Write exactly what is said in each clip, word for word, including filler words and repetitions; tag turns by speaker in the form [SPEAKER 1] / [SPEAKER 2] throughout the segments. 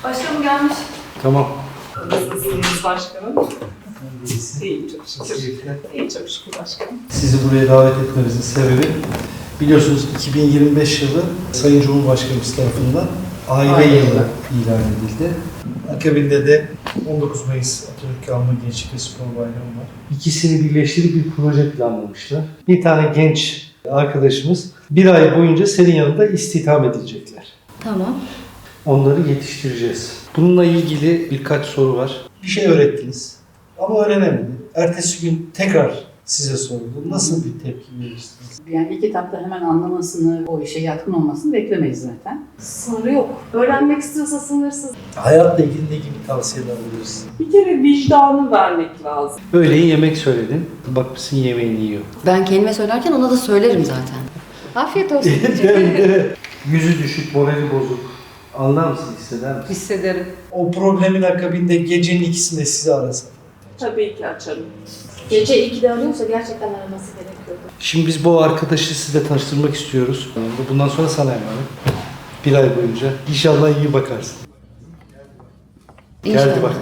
[SPEAKER 1] Başkanım gelmiş.
[SPEAKER 2] Tamam.
[SPEAKER 3] Nasılsınız başkanım? İyiyim çok şükür. İyiyim çok şükür başkanım.
[SPEAKER 2] Sizi buraya davet etmemizin sebebi, biliyorsunuz iki bin yirmi beş yılı Sayın Cumhurbaşkanımız tarafından aile,
[SPEAKER 3] Aile
[SPEAKER 2] yılı
[SPEAKER 3] yılı
[SPEAKER 2] ilan edildi. Akabinde de on dokuz Mayıs Atatürk Anma Gençlik ve Spor Bayramı var. İkisini birleştirip bir proje planlamışlar. Bir tane genç arkadaşımız bir ay boyunca senin yanında istihdam edilecekler.
[SPEAKER 1] Tamam.
[SPEAKER 2] Onları yetiştireceğiz. Bununla ilgili birkaç soru var. Bir şey öğrettiniz ama öğrenemedi. Ertesi gün tekrar size sordu. Nasıl bir tepki verirsiniz?
[SPEAKER 4] Yani ilk etapta hemen anlamasını, o işe yatkın olmasını beklemeyiz zaten.
[SPEAKER 1] Sınırı yok. Öğrenmek istiyorsa sınırsız.
[SPEAKER 2] Hayatla ilgili ne gibi tavsiyeler verirsin?
[SPEAKER 3] Bir kere vicdanı vermek lazım.
[SPEAKER 2] Öğleyin yemek söyledin. Bakmışsın yemeğini yiyor.
[SPEAKER 1] Ben kendime söylerken ona da söylerim zaten. Afiyet olsun.
[SPEAKER 2] Yüzü düşük, morali bozuk. Anlar mısın, hisseder misin?
[SPEAKER 3] Hissederim.
[SPEAKER 2] O problemin akabinde gecenin ikisinde sizi arasa.
[SPEAKER 3] Tabii ki açarım.
[SPEAKER 1] Gece ikide arıyorsa gerçekten araması gerekiyordu.
[SPEAKER 2] Şimdi biz bu arkadaşı size tanıştırmak istiyoruz. Bundan sonra sana emanet. Bir ay boyunca. İnşallah iyi bakarsın.
[SPEAKER 1] İnşallah.
[SPEAKER 2] Geldi bak.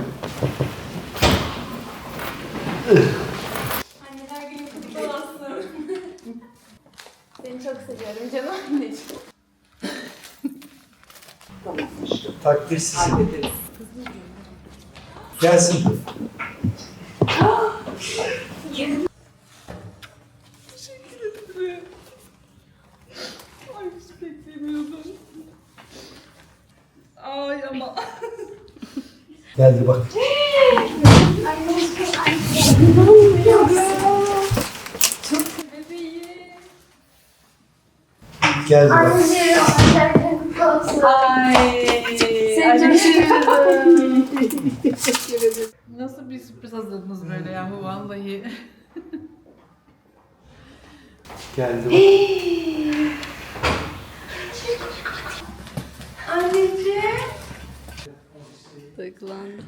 [SPEAKER 5] Anneler günü kutlu olsun. Seni çok seviyorum canım anneciğim.
[SPEAKER 3] Tamam.
[SPEAKER 2] Takdir sizin.
[SPEAKER 3] Hallederiz.
[SPEAKER 2] Gelsin.
[SPEAKER 3] Teşekkür ederim. Ay hiç beklemiyordum. Ay ama.
[SPEAKER 2] Geldi bak.
[SPEAKER 5] Bebeğim.
[SPEAKER 2] Geldi bak.
[SPEAKER 3] Ay.
[SPEAKER 5] Seni çok seviyorum.
[SPEAKER 3] Teşekkür ederim.
[SPEAKER 6] Nasıl bir sürpriz hazırladınız böyle yahu vallahi.
[SPEAKER 2] Geldi bak.
[SPEAKER 5] Anneciğim.
[SPEAKER 1] Duygulandım.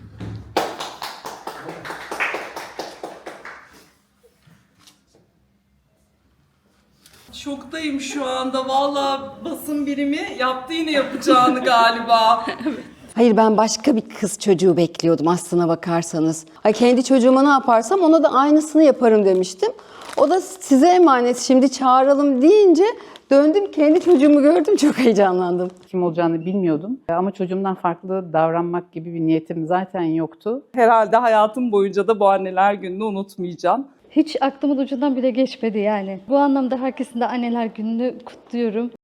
[SPEAKER 3] Şoktayım şu anda. Vallahi basın birimi yaptı yine yapacağını galiba.
[SPEAKER 7] Hayır, ben başka bir kız çocuğu bekliyordum aslına bakarsanız. Ay, kendi çocuğuma ne yaparsam ona da aynısını yaparım demiştim. O da size emanet, şimdi çağıralım deyince döndüm, kendi çocuğumu gördüm, çok heyecanlandım.
[SPEAKER 4] Kim olacağını bilmiyordum ama çocuğumdan farklı davranmak gibi bir niyetim zaten yoktu.
[SPEAKER 3] Herhalde hayatım boyunca da bu anneler gününü unutmayacağım.
[SPEAKER 8] Hiç aklımın ucundan bile geçmedi yani. Bu anlamda herkesin de anneler gününü kutluyorum.